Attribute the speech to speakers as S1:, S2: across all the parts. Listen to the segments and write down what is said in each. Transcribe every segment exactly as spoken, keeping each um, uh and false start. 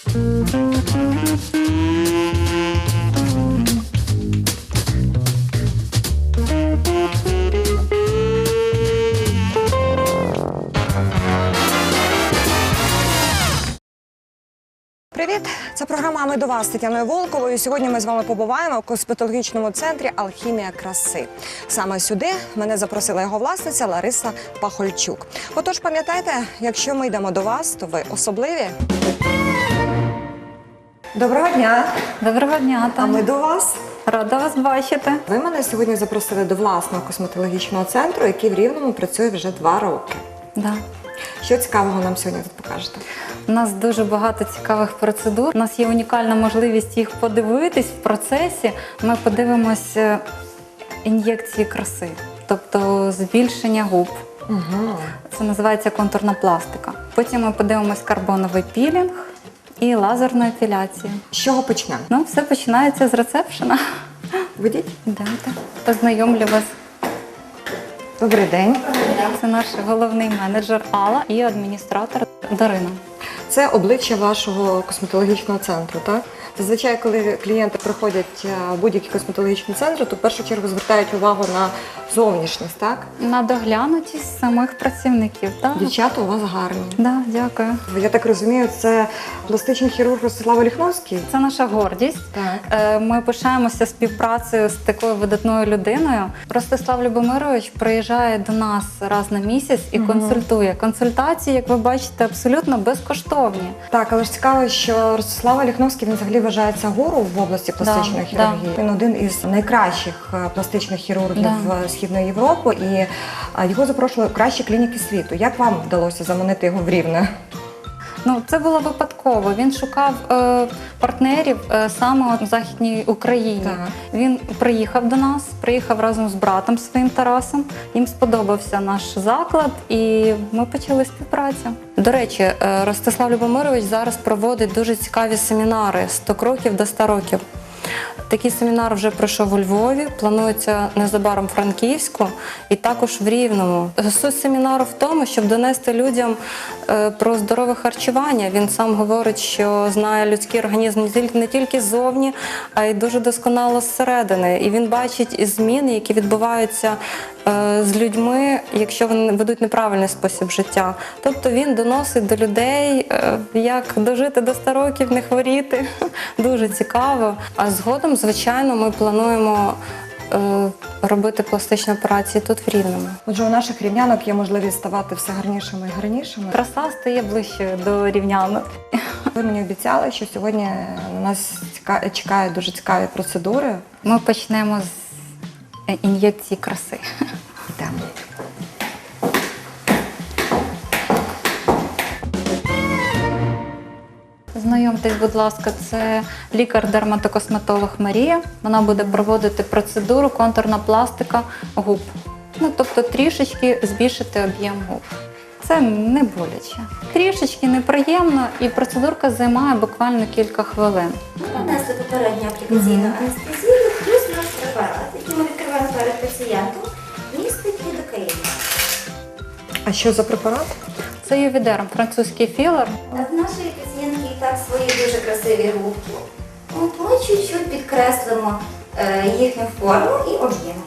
S1: Привіт! Це програма «А ми до вас» з Тетяною Волковою. Сьогодні ми з вами побуваємо в косметологічному центрі «Алхімія краси». Саме сюди мене запросила його власниця Лариса Пахольчук. Отож, пам'ятайте, якщо ми йдемо до вас, то ви особливі. Доброго дня!
S2: Доброго дня,
S1: А ми до вас.
S2: Рада вас бачити.
S1: Ви мене сьогодні запросили до власного косметологічного центру, який в Рівному працює вже два роки.
S2: Да.
S1: Що цікавого нам сьогодні тут покажете?
S2: У нас дуже багато цікавих процедур. У нас є унікальна можливість їх подивитись в процесі. Ми подивимося ін'єкції краси, тобто збільшення губ.
S1: Угу.
S2: Це називається контурна пластика. Потім ми подивимось карбоновий пілінг і лазерну епіляцію.
S1: З чого почнемо?
S2: Ну, все починається з рецепшена.
S1: Ведіть.
S2: Йдемте. Познайомлю вас.
S1: Добрий день.
S2: Це наш головний менеджер Алла і адміністратор Дарина.
S1: Це обличчя вашого косметологічного центру, так? Зазвичай, коли клієнти приходять в будь-який косметологічний центр, то в першу чергу звертають увагу на зовнішність, так?
S2: На доглянутість самих працівників, так?
S1: Дівчата у вас гарні.
S2: Да, дякую.
S1: Я так розумію, це пластичний хірург Ростислав Оліхновський?
S2: Це наша гордість.
S1: Так.
S2: Е, Ми пишаємося співпрацею з такою видатною людиною. Ростислав Любомирович приїжджає до нас раз на місяць і
S1: Угу.
S2: консультує. Консультації, як ви бачите, абсолютно безкоштовні.
S1: Так, але ж цікаво, що Ростислав Оліхновський, він взагалі вважається гуру в області пластичної
S2: Да,
S1: хірургії.
S2: да.
S1: Він один із найкращих е, пластичних хірургів
S2: Да.
S1: Східної Європи, і е, його запрошували в кращі клініки світу. Як вам вдалося заманити його в Рівне?
S2: Ну, це було випадково. Він шукав е, партнерів е, саме от в Західній Україні.
S1: Так.
S2: Він приїхав до нас, приїхав разом з братом своїм Тарасом. Їм сподобався наш заклад, і ми почали співпрацю. До речі, е, Ростислав Любомирович зараз проводить дуже цікаві семінари «сто кроків до ста років». Такий семінар вже пройшов у Львові, планується незабаром в Франківську і також в Рівному. Суть семінару в тому, щоб донести людям е, про здорове харчування. Він сам говорить, що знає людський організм не тільки, не тільки ззовні, а й дуже досконало зсередини. І він бачить зміни, які відбуваються е, з людьми, якщо вони ведуть неправильний спосіб життя. Тобто він доносить до людей, е, як дожити до ста років, не хворіти. Дуже цікаво. А згодом, звичайно, ми плануємо е, робити пластичні операції тут в Рівному.
S1: Отже, у наших рівнянок є можливість ставати все гарнішими і гарнішими.
S2: Краса стає ближче до рівнянок.
S1: Ви мені обіцяли, що сьогодні на нас ціка- чекають дуже цікаві процедури.
S2: Ми почнемо з е, ін'єкції краси.
S1: Йдемо.
S2: Знайомтесь, будь ласка, це лікар-дерматокосметолог Марія. Вона буде проводити процедуру контурна пластика губ. Ну, тобто трішечки збільшити об'єм губ. Це не боляче. Трішечки неприємно, і процедурка займає буквально кілька хвилин.
S3: Ми нанесли попередню аплікаційну анестезію, плюс наш препарат, який ми відкриваємо перед пацієнтом, містить лідокаїн.
S1: А що за препарат?
S2: Це ювідерм, французький філер.
S3: В нашої пацієнтки і так свої дуже красиві губки. От ми чуть-чуть підкреслимо е, їхню форму і об'єм.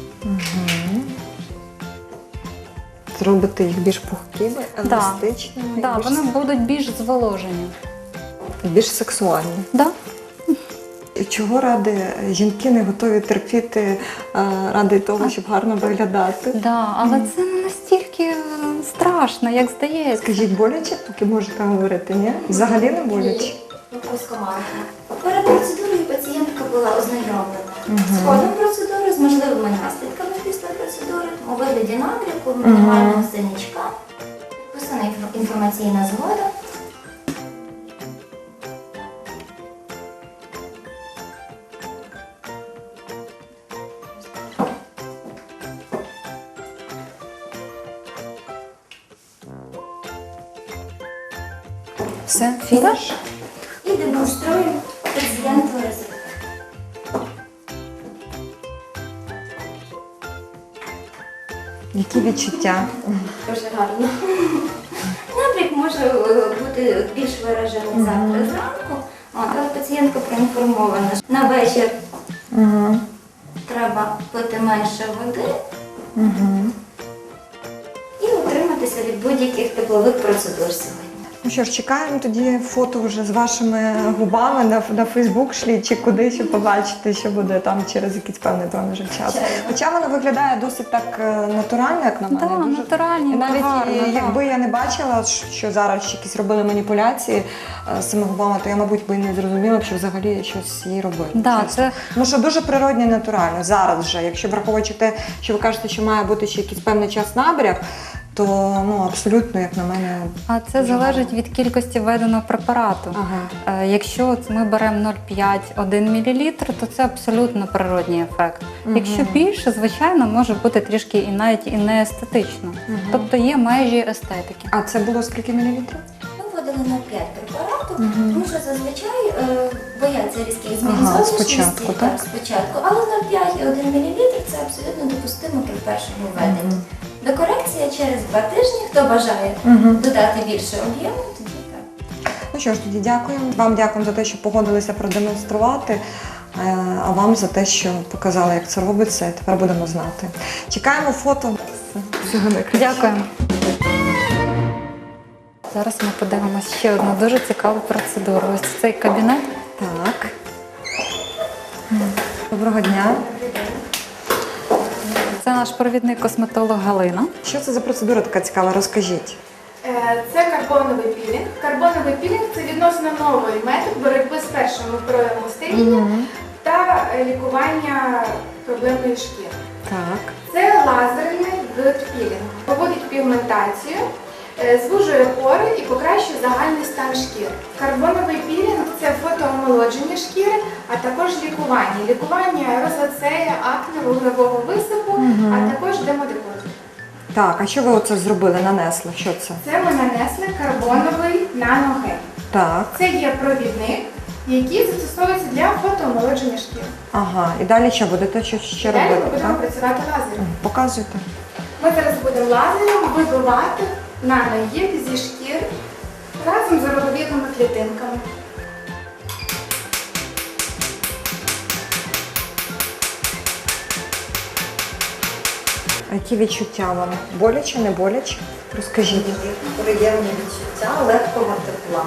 S1: Зробити їх більш пухкими,
S2: Да.
S1: еластичними,
S2: Да,
S1: більш,
S2: вони будуть більш зволожені.
S1: більш сексуальні.
S2: Да?
S1: І чого ради жінки не готові терпіти а, ради того, щоб гарно виглядати?
S2: Да, але це не настільки е, страшно, як здається.
S1: Скажіть, боляче, поки можете говорити, ні? Взагалі не боляче?
S3: Розкомандно. Перед процедурою пацієнтка була ознайомлена з ходом процедури, з можливими наслідками після процедури, у вигляді набряку, мінімального синячка, підписана інфо- інформаційна згода.
S1: Все, фініш?
S3: І демонструю пацієнту результат.
S1: Які відчуття?
S3: Дуже гарно. Набряк може е, бути більш виражений завтра зранку, От, але пацієнтка проінформована, що на вечір
S1: Угу.
S3: треба пити менше води
S1: Угу.
S3: і утриматися від будь-яких теплових процедур сьогодні.
S1: Ну що ж, чекаємо тоді фото вже з вашими губами на, на Фейсбук шлі чи куди, щоб побачити, що буде там через якийсь певний проміжок часу. Хоча воно виглядає досить так е, натурально, як на мене.
S2: Так,
S1: дуже...
S2: натуральні,
S1: І навіть
S2: гарно,
S1: і,
S2: да.
S1: якби я не бачила, що зараз ще якісь робили маніпуляції е, з цими губами, то я, мабуть, би не зрозуміла, що взагалі щось їй робити.
S2: Да,
S1: чесно.
S2: це
S1: Тому що дуже природне і натурально. Зараз вже, якщо враховуючи те, що ви кажете, що має бути ще якийсь певний час набряк, то ну абсолютно, як на мене,
S2: А це залежить від кількості введеного препарату.
S1: ага.
S2: Е, Якщо от ми беремо нуль цілих п'ять - один мілілітр, то це абсолютно природній ефект.
S1: Мгм.
S2: Якщо більше, звичайно, може бути трішки і навіть і не естетично.
S1: Мгм.
S2: Тобто є межі естетики.
S1: А це було скільки мілілітрів?
S3: Ми вводили на п'ять препаратів,
S1: Мгм.
S3: тому що зазвичай е, бояться різких змін
S1: Ага,
S3: зовнішності,
S1: спочатку, так?
S3: спочатку. Але нуль цілих п'ять і один мілілітр це абсолютно допустимо при першому введенні. Докорекція через два тижні, хто бажає
S1: Мгм.
S3: додати більше об'єму, тоді так.
S1: Ну що ж, тоді дякуємо. Вам дякуємо за те, що погодилися продемонструвати, е, а вам за те, що показали, як це робиться, і тепер будемо знати. Чекаємо фото. Всього найкращого.
S2: Дякуємо. Зараз ми подивимося ще одну дуже цікаву процедуру. Ось цей кабінет.
S1: Так. Доброго дня.
S2: Це наш провідний косметолог Галина.
S1: Що це за процедура така цікава? Розкажіть.
S4: Е, Це карбоновий пілінг. Карбоновий пілінг – це відносно новий метод боротьби з першими проявами старіння та е, лікування проблемної шкіри.
S1: Так.
S4: Це лазерний вид пілінгу. Проводить пігментацію, е, звужує пори і покращує загальний стан шкіри. Карбоновий пілінг – це фотоомолодження шкіри, а також лікування. Лікування розоцея, акне, вуглевого висипу, а також демодекозу.
S1: Так, а що ви оце зробили, нанесли? Що це?
S4: Це ми нанесли карбоновий наногель.
S1: Так.
S4: Це є провідник, який застосовується для фотоомолодження шкіри.
S1: Ага. І далі що будете що ще
S4: Далі ми
S1: робити?
S4: будемо
S1: Так?
S4: працювати лазером.
S1: Показуйте.
S4: Ми зараз будемо лазером вибивати наногель зі шкіри разом з роговідними клітинками.
S1: А які відчуття вам? Боляче, не боляче? Розкажіть.
S5: Приємні відчуття легкого тепла.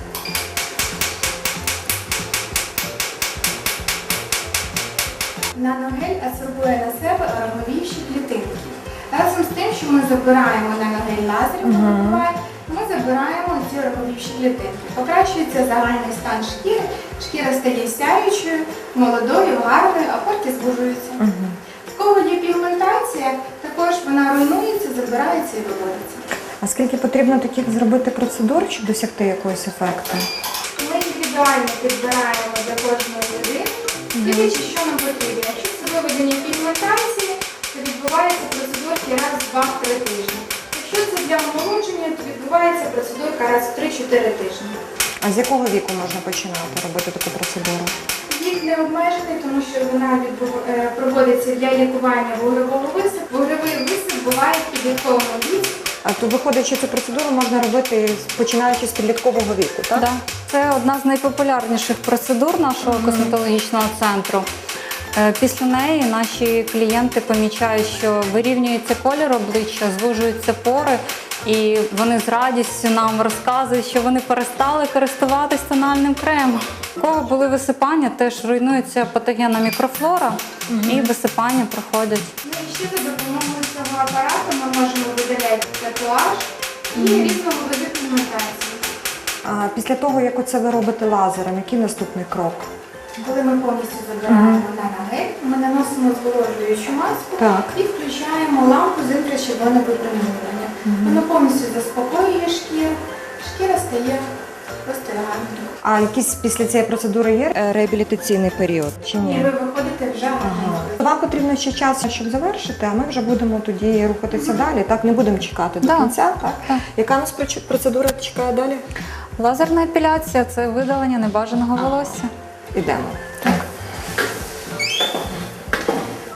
S4: Наногель адсорбує на себе роговіші клітинки. Разом з тим, що ми забираємо наногель лазером, вибиваємо, ми забираємо ці роговіші клітинки. Покращується загальний стан шкіри, шкіра стає сяючою, молодою, гарною, а порки звужуються. В кого є пігментація, також вона руйнується, забирається і виводиться.
S1: А скільки потрібно таких зробити процедур, щоб досягти якогось ефекту?
S4: Ми індивідуально підбираємо для кожної людини, дивлячись, що нам потрібно. Якщо це виведення пігментації, то відбувається процедурки раз в два-три тижні. Якщо це для омолодження, то відбувається процедурка раз в три-чотири тижні.
S1: А з якого віку можна починати робити таку процедуру?
S4: Вік не обмежений, тому що вона відбув- е, проводиться для лікування вуглевого висипу. Вуглевий висип буває в підлітковому віці.
S1: А то виходить, що цю процедуру можна робити починаючи з підліткового віку, так?
S2: Да. Це одна з найпопулярніших процедур нашого косметологічного центру. Е, Після неї наші клієнти помічають, що вирівнюється колір обличчя, звужуються пори, і вони з радістю нам розказують, що вони перестали користуватись тональним кремом. У кого були висипання, теж руйнується патогенна мікрофлора, і висипання проходять.
S4: Ну і ще за допомогою цього апарату ми можемо видаляти татуаж і різного виду пігментації.
S1: А після того, як оце ви робите лазером, який наступний крок?
S4: Коли ми повністю забираємо наногель, ми наносимо зволожуючу маску
S1: Так.
S4: і включаємо лампу з інфрачервоного випромінювання. Воно повністю заспокоює шкіру, шкіра стає просто гарною.
S1: А якийсь після цієї процедури є е, реабілітаційний період чи
S4: І
S1: ні?
S4: ви виходите вже гарною.
S1: Вам потрібно ще час, щоб завершити, а ми вже будемо тоді рухатися далі. Так, не будемо чекати до
S2: Да.
S1: кінця. Так?
S2: Так.
S1: Яка нас проч- процедура чекає далі?
S2: Лазерна епіляція – це видалення небажаного волосся.
S1: Ідемо.
S2: Так.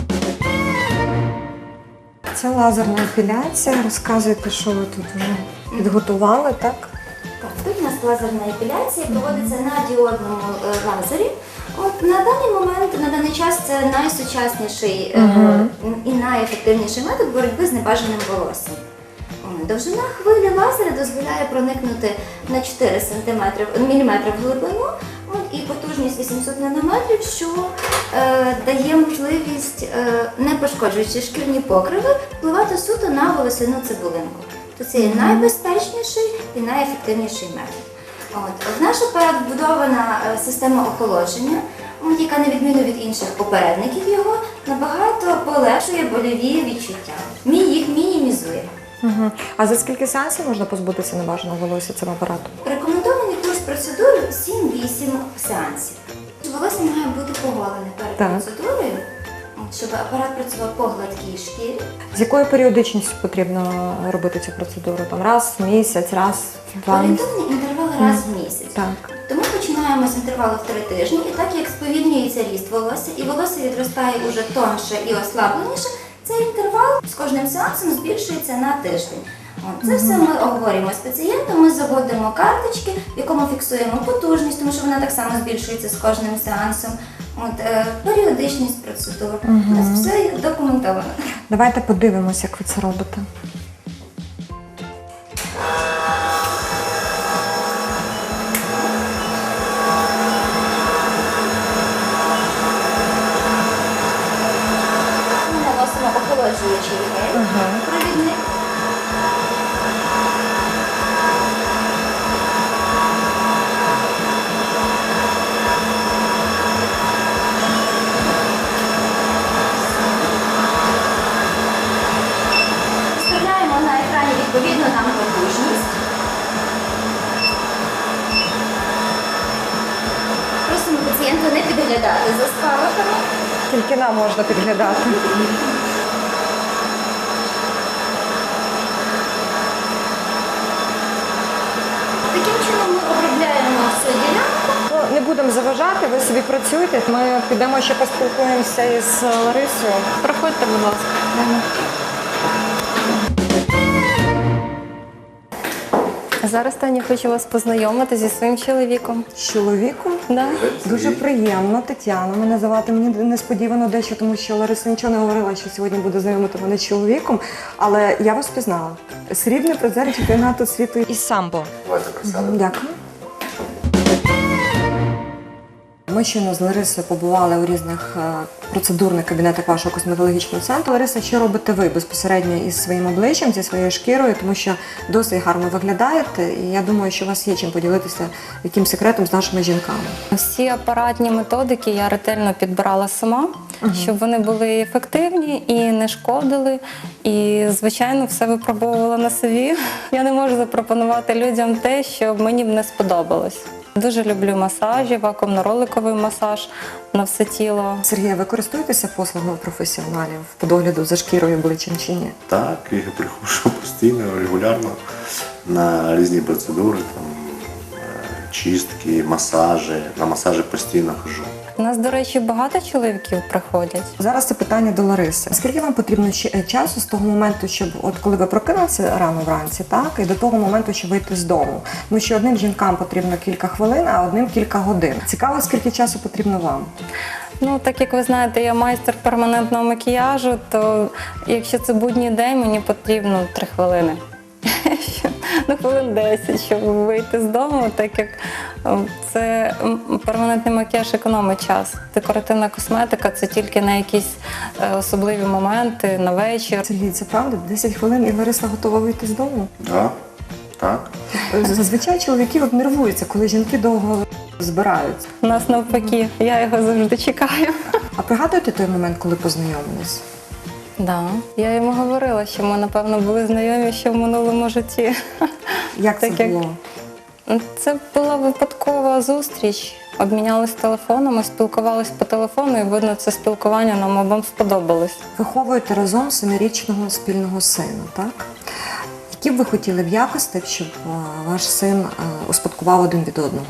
S1: Це лазерна епіляція. Розказуйте, що ви тут вже підготували, так?
S3: Так, тут у нас лазерна епіляція проводиться на діодному е, лазері. От на даний момент, на даний час це найсучасніший е, і найефективніший метод боротьби з небажаним волоссям. О, Довжина хвилі лазера дозволяє проникнути на чотири сантиметри, міліметри в глибину, от, і потужність вісімсот нанометрів, що е, дає можливість, е, не пошкоджуючи шкірні покриви, впливати суто на волосяну цибулинку. То це є найбезпечніший і найефективніший метод. От. В наш апарат вбудована е, система охолодження, от, яка, на відміну від інших попередників його, набагато полегшує больові відчуття. Мі їх мінімізує.
S1: Угу. А за скільки сеансів можна позбутися небажаного волосся цим апаратом?
S3: Рекомендований курс процедур сім-вісім сеансів. Волосся має бути поголене перед
S1: Так.
S3: процедурою, от, щоб апарат працював по гладкій шкірі.
S1: З якою періодичністю потрібно робити цю процедуру? Там раз в місяць, раз в два місяці?
S3: Орієнтовний інтервал раз в місяць.
S1: Так.
S3: Тому починаємо з інтервалу в три тижні, і так як сповільнюється ріст волосся, і волосся відростає уже тонше і ослабленіше, цей інтервал з кожним сеансом збільшується на тиждень. От, це все ми обговорюємо з пацієнтом, ми заводимо карточки, в якому фіксуємо потужність, тому що вона так само збільшується з кожним сеансом. От, е, періодичність процедур. У нас все документовано.
S1: Давайте подивимось, як ви це робите.
S3: Ми наносимо охолоджуючий гель, провідник. Вставляємо на екрані відповідно нам потужність. Просимо пацієнта не підглядати за спалахами.
S1: Тільки нам можна підглядати.
S3: Таким чином ми обробляємо всю ділянку.
S1: Ну, не будемо заважати, ви собі працюйте. Ми підемо ще поспілкуємося із Ларисою.
S2: Проходьте, будь ласка. Зараз Таня хочу вас познайомити зі своїм чоловіком.
S1: З чоловіком?
S2: Да?
S1: Дуже приємно, Тетяна. Мене звати мені несподівано дещо, тому що Лариса нічого не говорила, що сьогодні буде знайомити мене з чоловіком. Але я вас пізнала. Срібний призер чемпіонату світу із самбо.
S6: Давайте присядемо.
S1: Дякую. Ми щойно з Ларисою побували у різних е, процедурних кабінетах вашого косметологічного центру. Лариса, що робите ви безпосередньо із своїм обличчям, зі своєю шкірою, тому що досить гарно виглядаєте, і я думаю, що у вас є чим поділитися яким секретом з нашими жінками.
S2: Всі апаратні методики я ретельно підбирала сама, щоб вони були ефективні і не шкодили. І, звичайно, все випробовувала на собі. Я не можу запропонувати людям те, що мені б не сподобалось. Дуже люблю масажі, вакуумно-роликовий масаж на все тіло.
S1: Сергія, ви користуєтеся послугами професіоналів по догляду за шкірою обличчям чи ні?
S6: Так, я приходжу постійно, регулярно на різні процедури, там, е, чистки, масажі. На масажі постійно хожу.
S2: У нас, до речі, багато чоловіків приходять.
S1: Зараз це питання до Лариси. Скільки вам потрібно ще- часу з того моменту, щоб от коли ви прокинулися рано вранці, так, і до того моменту, щоб вийти з дому? Тому що одним жінкам потрібно кілька хвилин, а одним кілька годин. Цікаво, скільки часу потрібно вам?
S2: Ну, так як ви знаєте, я майстер перманентного макіяжу, то якщо це будній день, мені потрібно три хвилини. Ну, хвилин десять, щоб вийти з дому, так як е, це м, перманентний макіяж економить час. Декоративна косметика це тільки на якісь е, особливі моменти, на вечір.
S1: Сергій, це правда? десять хвилин і Лариса готова вийти з дому?
S6: Да, так.
S1: Зазвичай чоловіки от нервуються, коли жінки довго збираються.
S2: У нас навпаки, я його завжди чекаю.
S1: А пригадуєте той момент, коли познайомились?
S2: Да. Я йому говорила, що ми, напевно, були знайомі ще в минулому житті.
S1: Як це
S2: Так як-
S1: було?
S2: Це була випадкова зустріч. Обмінялись телефонами, спілкувались по телефону, і видно, це спілкування нам обом сподобалось.
S1: Виховуєте разом семирічного спільного сина, так? Які б ви хотіли б якості, щоб е, ваш син е, успадкував один від одного?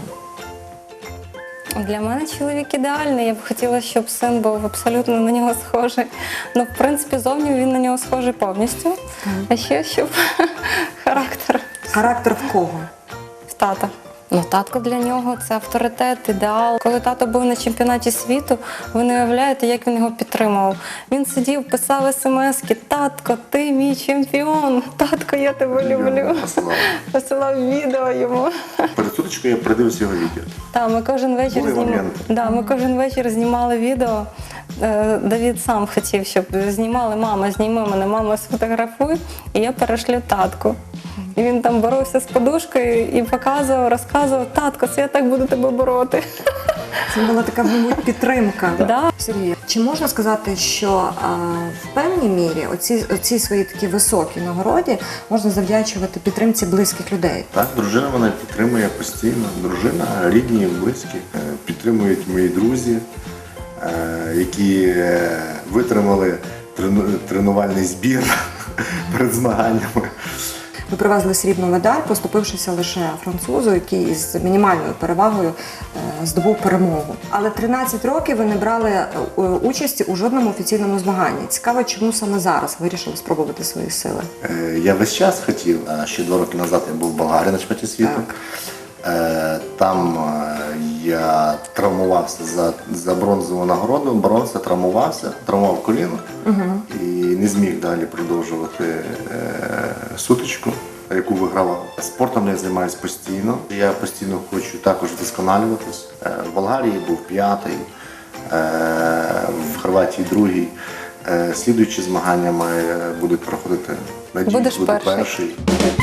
S2: Для мене чоловік ідеальний. Я б хотіла, щоб син був абсолютно на нього схожий. Ну, в принципі, зовні він на нього схожий повністю. А ще щоб характер
S1: Характер в кого?
S2: В тата. Ну, татко для нього це авторитет, ідеал. Коли тато був на чемпіонаті світу, ви не уявляєте, як він його підтримував. Він сидів, писав смски: татко, ти мій чемпіон, татко, я тебе люблю.
S6: Посилав.
S2: Посилав відео йому.
S6: Перед сутичкою я передивився його відео.
S2: Так, ми кожен вечір
S6: Були
S2: знімали.
S6: моменти.
S2: Да, ми кожен вечір знімали відео. Е, Давід сам хотів, щоб знімали: мама, зніми мене, мама, сфотографуй, і я перешлю татку. І він там боровся з подушкою і показував, розказував: татко, це я так буду тебе бороти.
S1: Це була така, мабуть, підтримка.
S2: Да.
S1: Сергій, чи можна сказати, що а, в певній мірі оці, оці свої такі високі нагороді можна завдячувати підтримці близьких людей?
S6: Так, дружина мене підтримує постійно. Дружина, рідні, близькі. Е, Підтримують мої друзі, е, які е, витримали трену- тренувальний збір перед змаганнями.
S1: Ви привезли срібну медаль, поступившися лише французу, який із мінімальною перевагою е, здобув перемогу. Але тринадцять років ви не брали е, участі у жодному офіційному змаганні. Цікаво, чому саме зараз вирішили спробувати свої сили?
S6: Е, Я весь час хотів, е, ще два роки назад я був в Болгарії на чемпіонаті світу. Е, Там е, я травмувався за, за бронзову нагороду, бронза травмувався, травмував коліно і не зміг далі продовжувати е, сутичку, яку вигравав. Спортом я займаюся постійно. Я постійно хочу також вдосконалюватись. Е, В Болгарії був п'ятий, е, в Хорватії другий. Е, Слідуючі змагання має, будуть проходити. Надіюсь,
S2: Будеш
S6: буду
S2: перший.
S6: перший.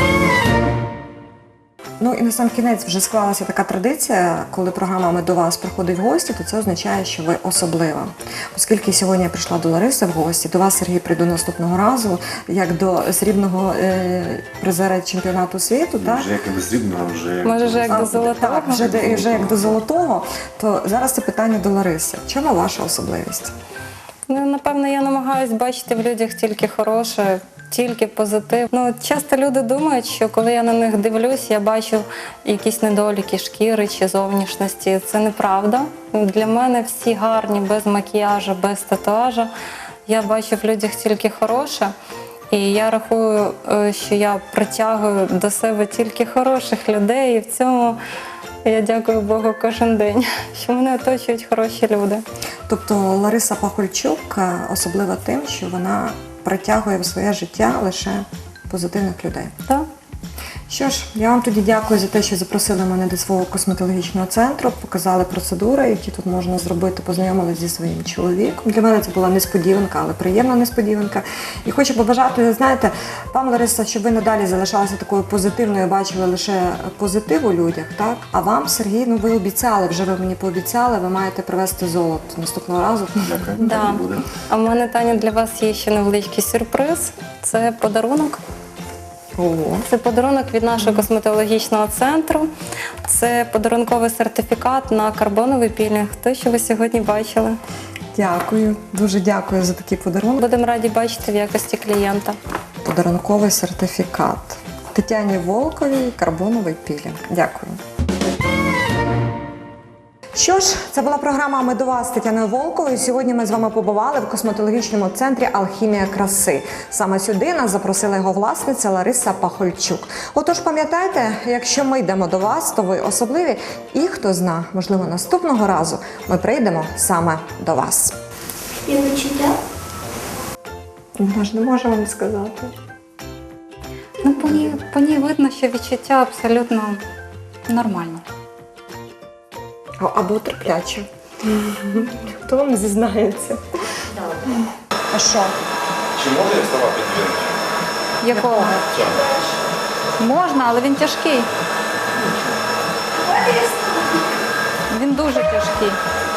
S1: Ну і на сам кінець вже склалася така традиція, коли програма «Ми до вас» приходить в гості, то це означає, що ви особлива. Оскільки сьогодні я прийшла до Лариси в гості, до вас, Сергій, прийду наступного разу, як до срібного е, призера чемпіонату світу, так?
S6: Вже як і до срібного, вже як
S2: Може, вже як
S1: А,
S2: до золотого.
S1: Так, вже, де- вже як до золотого, то зараз це питання до Лариси. В чому ваша особливість?
S2: Ну, напевно, я намагаюсь бачити в людях тільки хороше, тільки позитив. Ну, часто люди думають, що коли я на них дивлюсь, я бачу якісь недоліки шкіри чи зовнішності. Це неправда. Для мене всі гарні, без макіяжу, без татуажа. Я бачу в людях тільки хороше. І я рахую, е, що я притягую до себе тільки хороших людей. І в цьому я дякую Богу кожен день, що мене оточують хороші люди.
S1: Тобто Лариса Пахольчук е, особлива тим, що вона притягує в своє життя лише позитивних людей.
S2: Так?
S1: Що ж, я вам тоді дякую за те, що запросили мене до свого косметологічного центру, показали процедури, які тут можна зробити, познайомилися зі своїм чоловіком. Для мене це була несподіванка, але приємна несподіванка. І хочу побажати, знаєте, вам, Лариса, щоб ви надалі залишалися такою позитивною, бачили лише позитив у людях, так? А вам, Сергій, ну ви обіцяли, вже ви мені пообіцяли, ви маєте привезти золото наступного разу.
S6: Дякую.
S2: Да.
S6: Так і буде.
S2: А в мене, Таня, для вас є ще невеличкий сюрприз. Це подарунок.
S1: Ого.
S2: Це подарунок від нашого косметологічного центру. Це подарунковий сертифікат на карбоновий пілінг. Той, що ви сьогодні бачили.
S1: Дякую, дуже дякую за такий подарунок.
S2: Будемо раді бачити в якості клієнта.
S1: Подарунковий сертифікат. Тетяні Волковій, карбоновий пілінг. Дякую. Що ж, це була програма «Ми до вас» з Тетяною Волковою. Сьогодні ми з вами побували в косметологічному центрі «Алхімія краси». Саме сюди нас запросила його власниця Лариса Пахольчук. Отож, пам'ятайте, якщо ми йдемо до вас, то ви особливі. І хто зна, можливо, наступного разу ми прийдемо саме до вас.
S3: І відчуття?
S1: Ми ж не можемо вам сказати.
S2: Ну, по ній, по ній видно, що відчуття абсолютно нормальне.
S1: Або терпляче. Хто вам зізнається? А що?
S7: Чи можна я вставати дві?
S2: Якого? Можна, але він тяжкий. Він дуже тяжкий.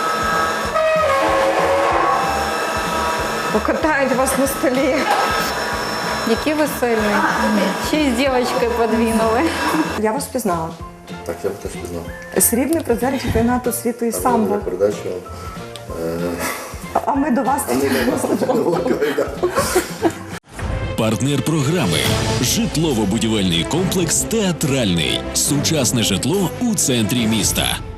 S1: Покатають вас на столі.
S2: Який ви сильний. Ще й з дівчинкою подвинули.
S1: Я вас впізнала.
S6: Так, я б теж пізнав.
S1: Срібний призер чемпіонату світу із самбо.
S6: Передачу.
S1: А ми до вас.
S8: Партнер програми житлово-будівельний комплекс «Театральний». Сучасне житло у центрі міста.